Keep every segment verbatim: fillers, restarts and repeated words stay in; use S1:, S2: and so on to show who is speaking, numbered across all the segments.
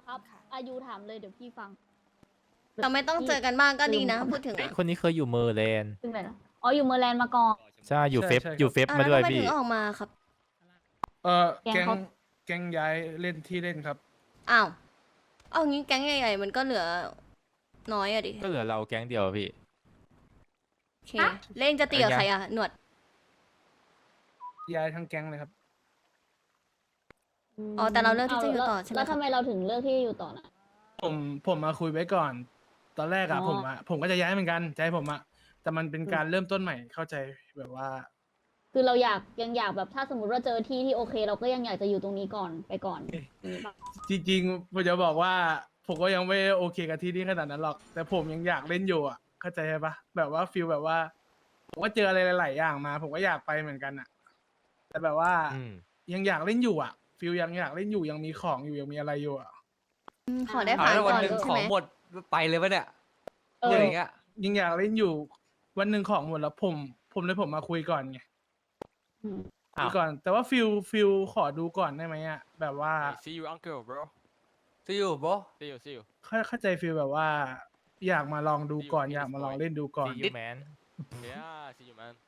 S1: ครับอายุถามเลยเดี๋ยวพี่ฟัง
S2: เราไม่ต้องเจอกันบ้างก็ดีนะ พูดถึง
S3: ไอ้
S2: อะ
S3: คนนี้เคยอยู่เมอร์แลนด์
S1: ซึ่งไหนนะอ๋ออยู่เมอร์แลนด์มาก่อน
S3: ใช่อยู่
S4: ใช่
S3: เฟฟ
S4: ใช่ครับ
S3: อยู่เฟฟ
S2: อ่ะ
S3: มา
S2: แล้ว
S3: ด้วย
S2: ทำไมถึ
S3: พี่
S2: งออกมาครับ
S4: เออ
S1: แก๊ง
S4: แก๊ง
S1: เขา
S4: แก๊งย้ายเล่นที่เล่นครับ
S2: อ้าว เอางี้แก๊งใหญ่ๆมันก็เหลือน้อยอะดิ
S3: ก็เหลือเราแก๊งเดียวอะพี่
S2: โอเค เล่นจะตีกับ
S3: อะไร
S2: ใคร
S3: เงี้ย
S2: อะหนวด
S4: ย้ายทั้งแก๊งเลยครับ
S2: อ๋อแต่เราเลือกที่จะอยู่
S1: แล้ว
S2: ต่อใช่ไหม
S1: แล้ว
S2: ครับ
S1: ทำไมเราถึงเลือกที่จะอยู่ต่อนะ
S4: ผมผมมาคุยไว้ก่อน ตอนแรกอะ
S1: อ๋อ
S4: ผมอะผมก็จะย้ายเหมือนกันใจผมอะแต่มันเป็นการเริ่มต้นใหม่เข้าใจแบบว่า
S1: คือเราอยากยังอยากแบบถ้าสมมติว่าเจอที่ที่โอเค เราก็ยังอยากจะอยู่ตรงนี้ก่อนไปก่อนอย่างนี้ปะ
S4: จริงๆผมจะบอกว่า ผมก็ยังไม่โอเคกับที่นี่ขนาดนั้นหรอก แต่ผมยังอยากเล่นอยู่อะเข้าใจปะแบบว่าฟิลแบบว่า ผมก็เจออะไรหลายๆอย่างมา ผมก็อยากไปเหมือนกันอะแต่แบบว่า
S3: อืม
S4: ยังอยากเล่นอยู่อะฟิลยังอยากเล่นอยู่ยังมีของอยู่ยังมีอะไรอยู่อะ
S2: อืมขอได้
S5: เอา
S2: ผ่าน
S5: แล้ว
S2: ก่
S5: วัน
S2: อน
S5: หนึ่ง
S2: ใช่
S5: ขอ
S2: ไหม
S5: งหมดไปเลยปะเนี่ย
S1: เอ
S5: เรื่
S1: อ
S5: องอย่างเงี้ย
S4: ยังอยากเล่นอยู่ วันหนึ่งของหมดแล้วผม ผมเลยผมมาคุยก่อนไง
S1: อืม
S3: อ้าว
S4: คุยก่อน แต่ว่าฟิลฟิลขอดูก่อนได้ไหมอะแบบว่า
S6: See you uncle bro
S5: see you bro
S6: See you see you
S4: เข้าเข้าใจฟิลแบบว่า อยากมาลองดูก่อน
S6: See you
S4: อยากมาลองเล่นดูก่อน
S3: See you man
S6: Yeah see you man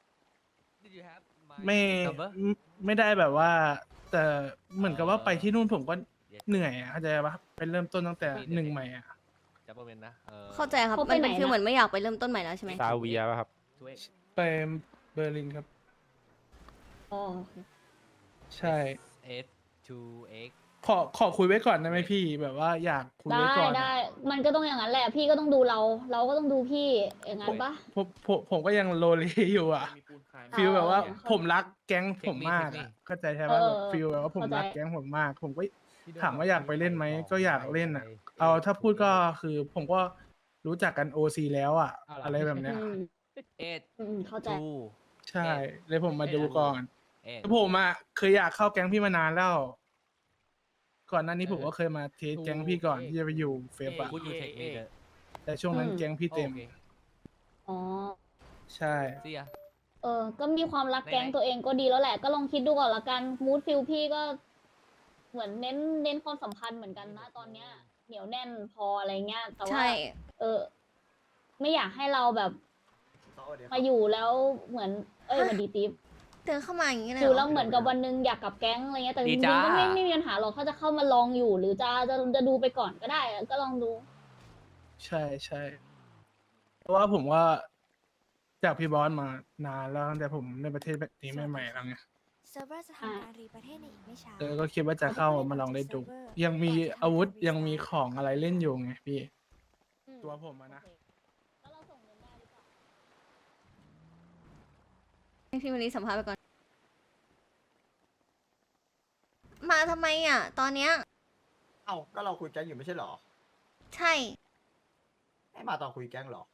S5: did you have my
S4: ไม่
S5: number
S4: ไม่ไม่ได้แบบว่า แต่เหมือนกับว่าไปที่นู่นผมก็เหนื่อยอะเข้าใจปะเป็นเริ่มต้นตั้งแต่หนึ่งใหม่อะ
S5: จับประเด็นนะเออ
S2: เข้าใจครับ
S1: เขาไป
S2: มันเป็น
S1: ไหน
S2: ฟีล
S1: นะ
S2: เหมือนไม่อยากไปเริ่มต้นใหม่แล้วใช่ไหม
S3: ซาเวียป่ะครับ
S5: ช่วย
S4: ไปเบอร์ลินครับ
S1: อ๋อโอเค
S4: ใช่
S5: S to X
S4: ขอขอคุยไว้ก่อนได้ไหมพี่ แบบว่าอยากคุย
S1: ได้
S4: ไว้ก่อนอะ
S1: ได้ มันก็ต้องอย่างนั้นแหละ พี่ก็ต้องดูเรา เราก็ต้องดูพี่อย่างนั้นปะ
S4: ผมผมผมก็ยังโลเลอยู่อ่ะฟิลแบบว่า
S1: เออ
S4: ผมรักแก๊งผมมาก
S5: เทคนิค
S4: อะเข้าใจใช่ไหม
S1: เออ
S4: แบบฟิลแบบว่าผม
S1: เข้าใจ
S4: รักแก๊งผมมาก ผมก็ถามว่าอยากไปเล่นไหมก็อยากเล่นอ่ะ เอาถ้าพูดก็คือผมก็รู้จักกันโอซีแล้วอ่ะ อะไรแบบเนี้ย
S1: อืม
S5: eight
S1: อืมเข้าใจ
S5: two
S4: ใช่ เลยผมมาดูก่อน
S5: eight
S4: แต่ผมอ่ะเคยอยากเข้าแก๊งพี่มานานแล้ว ก่อนหน้านี้ผมก็เคยมาเทสแก๊งพี่ก่อนที่จะไปอยู่เฟฟอ่ะ
S5: Could you take me the
S4: แต่ช่วงนั้น
S1: อืม
S4: แก๊งพี่เต็ม
S5: โอเค
S1: อ๋อ
S4: ใช่
S5: see ya
S1: เออ ก็มีความรัก
S5: ไหนๆ
S1: แก๊งตัวเองก็ดีแล้วแหละ ก็ลองคิดดูก่อนละกัน มูดฟิลพี่ก็ เหมือนเน้นเน้นความสัมพันธ์เหมือนกันนะตอนเนี้ย เหนียวแน่นพออะไรเงี้ย แต่ว่า
S2: ใช่
S1: เออ ไม่อยากให้เราแบบมาอยู่แล้วเหมือน เอ้ย
S2: ฮะ
S1: สวันดีติ๊บ
S2: เดินเข้ามาอย่างนี้เลย
S1: อ
S2: เหร
S1: ยู่
S2: อ
S1: แล้วเหมือนกับวันหนึงอยากกลับแก๊งอะไรเงี้ย แต่จ
S5: ดี
S1: ริง
S5: จ้า
S1: ๆก็ไม่ไม่มีปัญหาหรอกถ้าจะเข้ามาลองอยู่ หรือจะจะจะดูไปก่อนก็ได้ ก็ลองดู
S4: ใช่ใช่เพราะว่าผมว่าจากพี่บอสมานานแล้วตั้งแต่ผมในประเทศแบบนี้ใหม่ๆแล้วไง
S7: เซิร์ฟเวอร์จะทำการรีประเทศในอีกไม่ช้า
S4: เออก็คิดว่าจะเข้ามาลองเล่นดู ยังมีอาวุธยังมีของอะไรเล่นอยู่ไงพี่
S1: อืม
S4: ตัวผมอะนะ
S1: โอเคแล้วเราส่งเงินได้หรือเปล่า
S2: ให้พี่มารีสัมภาษณ์ไปก่อน มาทำไมอ่ะ ตอนเนี้ย
S8: เอ้าก็เราคุยแก๊งอยู่ไม่ใช่เหรอ
S2: ใช่
S8: ไม่มาตอนคุยแก๊งเหรอ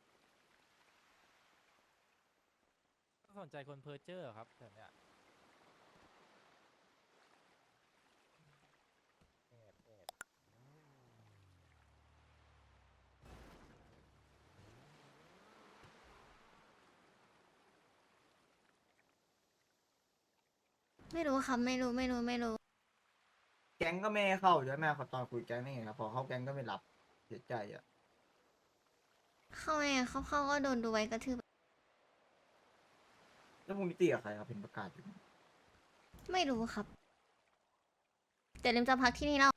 S3: สนใจคนเพอร์เจอร์ครับแบบเนี้ย
S2: ไม่รู้ครับ ไม่รู้ ไม่รู้ ไม่รู้
S8: แก๊งก็ไม่ให้เข้าใช่ไหมเขาตอนคุยแก๊งนี่ไงครับพอเข้าแก๊งก็ไม่รับเสียใจอ่ะ
S2: เข้าไงเข้าเข้าก็โดนดูไว้กระทืบ
S8: แล้วพรุ่งนี้ตีกับใครครับเห็นประกาศอยู่
S2: ไม่รู้ครับ แต่ลิมจะพักที่นี่แล้ว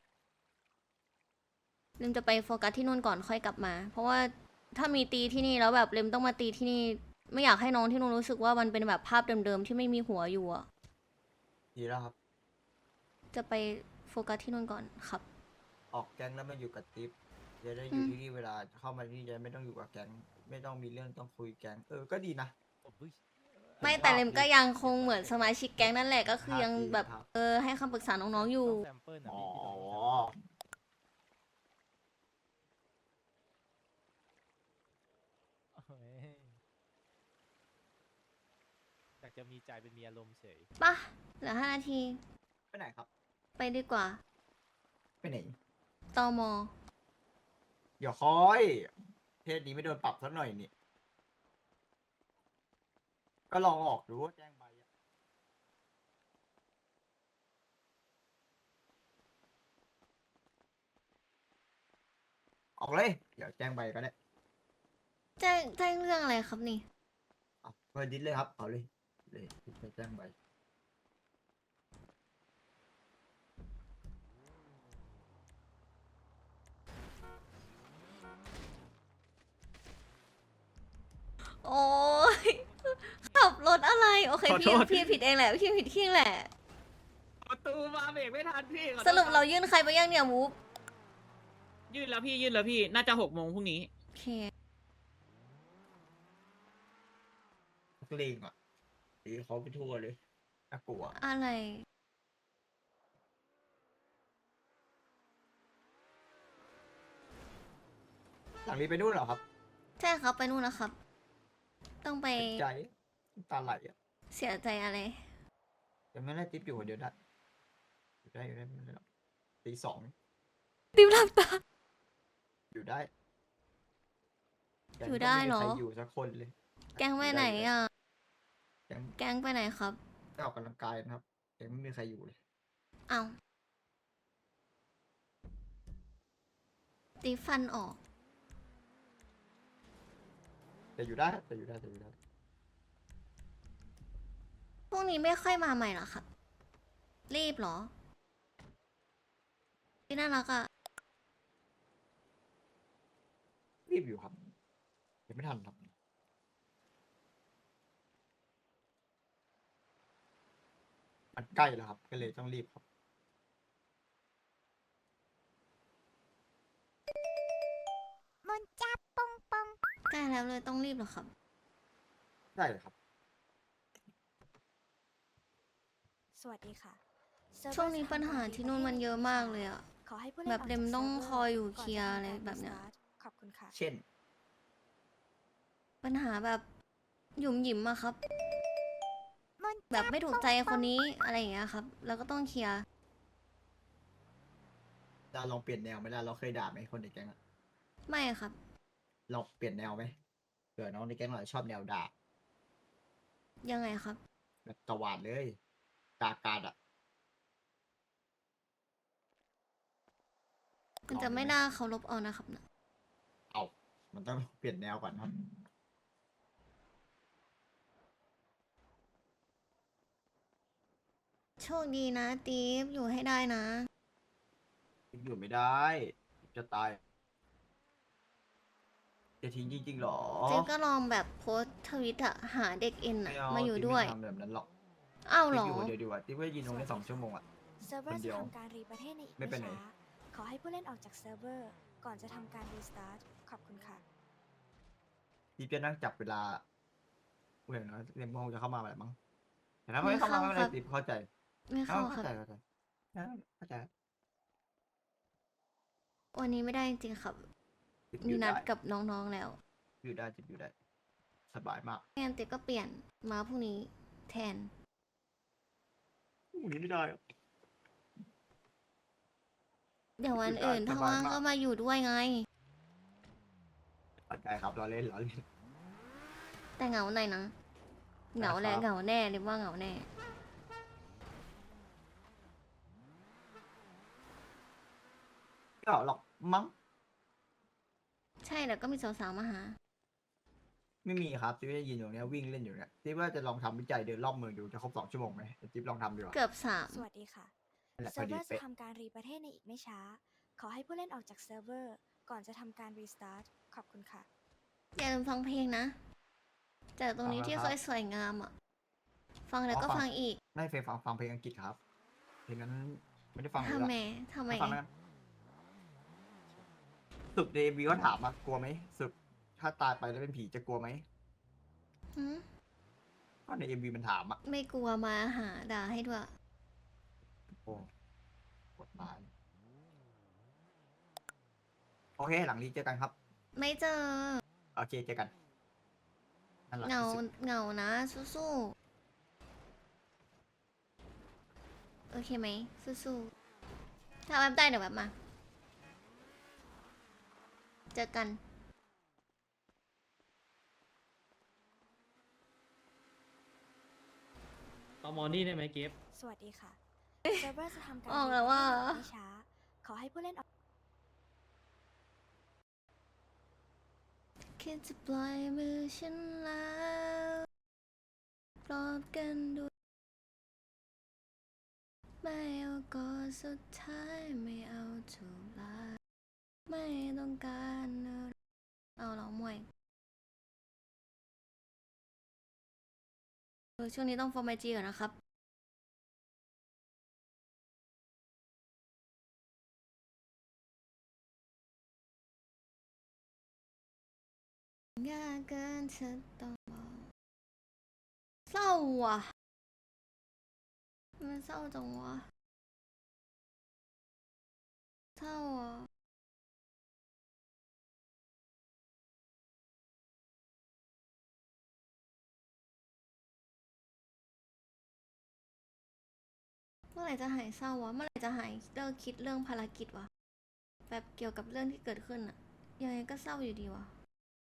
S2: ลิมจะไปโฟกัสที่นู่นก่อนค่อยกลับมา เพราะว่าถ้ามีตีที่นี่แล้วแบบลิมต้องมาตีที่นี่ ไม่อยากให้น้องที่นู่นรู้สึกว่ามันเป็นแบบภาพเดิมๆที่ไม่มีหัวอยู่อะ
S8: ดีแล้วครับ
S2: จะไปโฟกัสที่นู่นก่อนครับ
S8: ออกแก๊งแล้วมาอยู่กับติ๊บจะได้อยู่
S2: อืม
S8: ที่นี่เวลาเข้ามาที่นี่จะไม่ต้องอยู่กับแก๊งไม่ต้องมีเรื่องต้องคุยแก๊งเออก็ดีนะ
S2: ไม่แต่ลิมก็ยังคงเหมือนสมาชิกแก๊งนั่นแหละก็คือยังแบบ
S8: ครับ
S2: เออให้คำปรึกษาน้องๆอยู่
S3: แซมเปิลนะ
S8: อ๋อ
S3: พี่เฮ้ยอยากจะมีใจเป็นมีอารมณ์เฉย
S2: ปะเหลือห้านาที
S8: ไปไหนครับ
S2: ไปดีกว่า
S8: ไปไหน
S2: ตอมอ
S8: เดี๋ยวคอยเพศนี้ไม่โดนปรับสักหน่อยนี่ก็ลองออกดูว่าแจ้งใบอะออกเลยเดี๋ยวแจ้งไปก็ได้
S2: แจ้งแจ้งเรื่องอะไรครับนี่
S8: เอาเปิดดิสเลยครับเอาเลยเลยไปแจ้งไป
S2: โอ้ยขับรถอะไร โอเค
S4: ขอโท
S2: พี่
S4: ษ
S2: พี่ผิดเองแหละ พี่ผิดที่เองแหละ
S4: ประตูมาเบรกไม่ทันพี่ขอโทษ
S2: สรุปเรายื่นใครไปยังเนี่ยมูฟ
S9: ยื่นแล้วพี่ยื่นแล้วพี่น่าจะหกโมงพรุ่งนี้
S2: โอเค
S8: นักเลงอ่ะตีเขาไปทั่วเลยน่ากลัว
S2: อะไร
S8: หลังนี้ไปนู่นเหรอครับ
S2: ใช่ครับไปนู่นนะครับ ต้องไป
S8: เสียใจน้ำตาไหลอ่ะ
S2: เสียใจอะไร
S8: ยังไม่ได้ทิปอยู่คนเดียวได้อยู่ได้อยู่ได้ไม่เป็นได้หรอกตีสอง
S2: ติวหลับตา
S8: อยู่ได้
S2: อยู่ได้เหรอ
S8: แก๊งก็ม่มีใครอยู่สักคนเลย
S2: แก๊งไปไหนอ่ะ
S8: แก๊ง
S2: แก๊งไปไหนครับ
S8: ไปออกกำลังกายนะครับแก๊งไม่มีใครอยู่เลย
S2: เอาตีฟันออก
S8: แต่อยู่ได้แต่อยู่ได้แต่อยู่ได้
S2: พวกนี้ไม่ค่อยมาใหม่เหรอครับ รีบเหรอ พี่น่ารักอ่ะ
S8: รีบอยู่ครับยังไม่ทันครับมันใกล้แล้วครับ ก็เลยต้องรีบครับ
S7: มนจับปงปง
S2: ใกล้แล้วเลยต้องรีบเหรอครับ
S8: ได้เลยครับ
S7: สวัสดีค่ะ
S2: ช่วงนี้ปัญหาที่นู่นมันเยอะมากเลยอ่ะ
S7: ขอให้ผู้เล่น
S2: แบบเดมต้องคอยอยู่
S7: ก่น
S2: เคลียร์อะไร
S7: จทำการ
S2: แบบเนี้ย
S7: restart ขอบคุณค่ะ
S8: เช่น
S2: ปัญหาแบบหยุมหยิมอะครับ
S7: มน
S2: แบบไม่ถูกใจคนนี้อะไรอย่างเงี้ยครับ แล้วก็ต้องเคลียร์
S8: เราลองเปลี่ยนแนวไหมล่ะเราเคยด่าไหมคนในแก๊งอะ
S2: ไม่ครับ
S8: เราเปลี่ยนแนวไหมเผื่อน้องในแก๊งเราชอบแนวด่า
S2: ยังไงครับ
S8: แบบตวาดเลยกากาดอ่ะ
S2: มันจะไม่น่าเคารพเอานะครับนะ
S8: เอามันต้องเปลี่ยนแนวก่อนครับ
S2: โชคดีนะตีฟอยู่ให้ได้นะ
S8: อยู่ไม่ได้จะตายจะทิ้งจริงๆหรอ
S2: เจ๊ก็ลองแบบโพสต์ทวิตอะหาเด็กเอ็นอะ
S8: ไม่เ
S2: มาอยู่
S8: ติ๊ก
S2: ด้วย
S8: ไม่ทำแบบนั้นหรอก
S2: อ้าวเหร
S8: ติ๊ก
S2: อ
S8: อยู่คนเดียวดีกว่าติ๊กว่ายืนตรงนี้สองชั่วโมงอ่ะ
S7: เซิร์ฟเวอ
S8: คน
S7: ร์
S8: เดี
S7: จะ
S8: ยว
S7: ทำการรีประเทศในอีก
S8: ไม่
S7: ไม่
S8: ไปไหน
S7: ช้า ขอให้ผู้เล่นออกจากเซิร์ฟเวอร์ ก่อนจะทำการรีสตาร์ท ขอบคุณค่ะ
S8: ติ๊กจะนั่งจับเวลาเพื่อนนะเรียนโมงจะเข้ามาแบบมั้งแต่ถ้าไม่เข้ามาไม่เป็นไรติ๊กเข้าใจ
S2: ไม่
S8: เข้า
S2: เข้าค
S8: เข้า
S2: รับ
S8: ใจเข้าใจเข้าใจ
S2: วันนี้ไม่ได้จริงๆครับ
S8: ติ๊กอ
S2: มี
S8: ยู่
S2: นั
S8: ได้
S2: ดกับน้องๆแล้ว
S8: อยู่ได้ติ๊กอยู่ได้ สบายมาก
S2: งั้นเจ๊ก็เปลี่ยนมาพรุ่งนี้แทน
S8: พรุ่งนี้ไม่ได้อะ
S2: เดี๋ยววัน
S8: อยู่ได้
S2: อื่นถ้า
S8: สบาย
S2: ว่าง
S8: มาก
S2: ก็มาอยู่ด้วยไง
S8: เข้าใจครับเราเล่นเราเล่น
S2: แต่เหงาหน่อยนะ เหงาแหละ
S8: ครับ
S2: เหงาแน่เรียกว่าเหงาแน่
S8: ไม่เอาหรอกมั้ง
S2: ใช่แล้วก็มีสาวๆมาหา
S8: ไม่มีครับจิ๊บจะยืนอยู่เนี้ยวิ่งเล่นอยู่เนี่ยจิ๊บว่าจะลองทำวิจัยเดินรอบเมืองดูจะครบสองชั่วโมงไหมเดี๋ยวจิ๊บลองทำดูอ่ะ
S2: เกือบสาม
S7: สวัสดีค่ะ
S8: นั่นแหละพ
S7: เซิ
S8: อ
S7: ร์ฟ
S8: ดี
S7: เวอร์จะ
S8: เป๊ะ
S7: ทำการรีประเทศในอีกไม่ช้า ขอให้ผู้เล่นออกจากเซิร์ฟเวอร์ ก่อนจะทำการรีสตาร์ท ขอบคุณค่ะ
S2: อย่าลืมฟังเพลงนะ จากตรงนี้ที่เคยสวยงามอ่ะ ฟังแล้วก็ฟังอีก
S8: ไม่เคยฟังฟังเพลงอังกฤษครับ เพลงนั้นไม่ได้ฟังเลย
S2: ทำ
S8: ละ
S2: ไมทำไม
S8: ไม่ฟังแล้วกันสุดเดบีก็ถามมากลัวไหมสุดถ้าตายไปแล้วเป็นผีจะกลัวไหม
S2: หืม
S8: ก็ในเอ็มวีมันถามอ่ะ
S2: ไม่กลัวมาหาด่าให้ด้วย
S8: โอ้กดตายโอเค หลังนี้เจอกันครับ
S2: ไม่เจอ
S8: โอเคเจอกันนั่นแหละ
S2: เหงา
S8: ที่สุด
S2: เหงานะ สู้ๆ โอเคไหม สู้ๆ ถ้าแบบได้เดี๋ยวแบบมา เจอกัน
S9: ตอมอนี่ได้ไหมเก็บ
S7: สวัสดีค่ะ เซิร์ฟเวอร์จะทำการ
S2: ออกแล้วว่า
S7: รีประเทศในอีกไม่ช้า ขอให้ผู้เล่นออก
S2: คิดจะปล่อยมือฉันแล้วปลอบกันด้วยไม่เอาก่อนสุดท้ายไม่เอาถูกลาไม่ต้องการอะไรเอาเหรอมวยเออช่วงนี้ต้องฟอร์มไอจีก่อนนะครับ ยากเกินจะต้องบอกเศร้าว่ะมันเศร้าจังวะเศร้าอ่ะเมื่อไหร่จะหายเศร้าวะเมื่อไหร่จะหายเลิกคิดเรื่องภารกิจวะแบบเกี่ยวกับเรื่องที่เกิดขึ้นอะยังไงก็เศร้าอยู่ดีวะ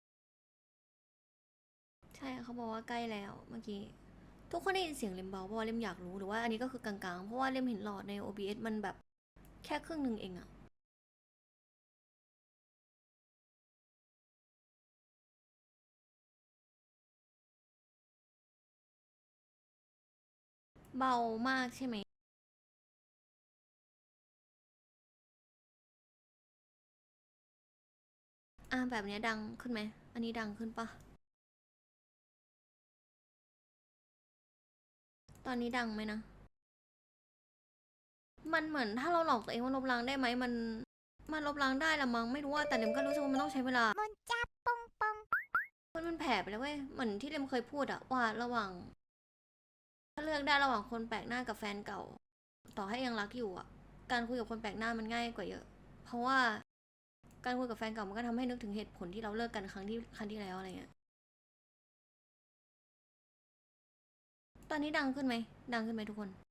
S2: ใช่เขาบอกว่าใกล้แล้วเมื่อกี้ทุกคนได้ยินเสียงเลมเบาเพราะว่าเลมอยากรู้หรือว่าอันนี้ก็คือกลางๆเพราะว่าเลมเห็นหลอดใน โอ บี เอส มันแบบแค่ครึ่งหนึ่งเองอะเบามากใช่ไหมอ่ะแบบเนี้ยดังขึ้นไหมอันนี้ดังขึ้นปะตอนนี้ดังไหมนะมันเหมือนถ้าเราหลอกตัวเองว่าลบล้างได้ไหมมันมันลบล้างได้ละมั้งไม่รู้ว่าแต่เลมก็รู้สึกว่ามันต้องใช้เวลามันจับปงปงมันมันแผ่ไปแล้วเว้ยเหมือนที่เลมเคยพูดอะว่าระหว่างถ้าเลือกได้ระหว่างคนแปลกหน้ากับแฟนเก่าต่อให้ยังรักอยู่อะการคุยกับคนแปลกหน้ามันง่ายกว่าเยอะเพราะว่าการคุยกับแฟนเก่ามันก็ทำให้นึกถึงเหตุผลที่เราเลิกกันครั้งที่ครั้งที่แล้วอะไรเงี้ยตอนนี้ดังขึ้นไหมดังขึ้นไหมทุกคน